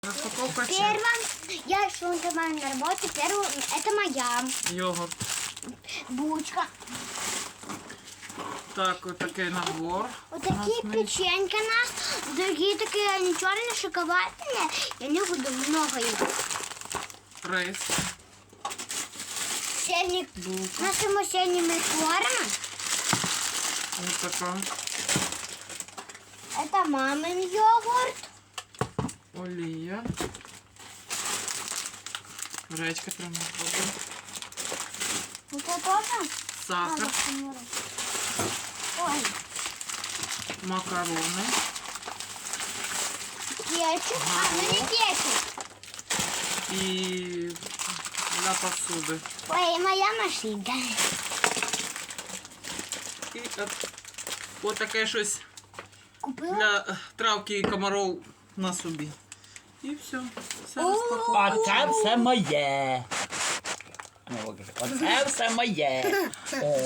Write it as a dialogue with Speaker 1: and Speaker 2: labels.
Speaker 1: Распаковка
Speaker 2: Первая, я шла на работу, первую, это моя
Speaker 1: йогурт.
Speaker 2: булочка.
Speaker 1: Так, вот такой набор.
Speaker 2: Вот такие печеньки у нас, другие такие, они черные, шоколадные, я не буду много их.
Speaker 1: Рейс.
Speaker 2: Сельник,
Speaker 1: Булка.
Speaker 2: нашему сельному форма,
Speaker 1: Вот такая.
Speaker 2: это мамин йогурт.
Speaker 1: Олія. Гречка прямо.
Speaker 2: Вот это тоже?
Speaker 1: Сахар.
Speaker 2: Ой,
Speaker 1: Макарони.
Speaker 2: кетчуп, ну не кетчуп.
Speaker 1: І для посуди.
Speaker 2: Ой, моя машинка.
Speaker 1: І от таке щось
Speaker 2: Купила?
Speaker 1: для травки і комаров на собі. І все. Все
Speaker 2: О,
Speaker 1: розпаковано.
Speaker 3: Оце все моє. Ну, покажи. Оце все моє. О,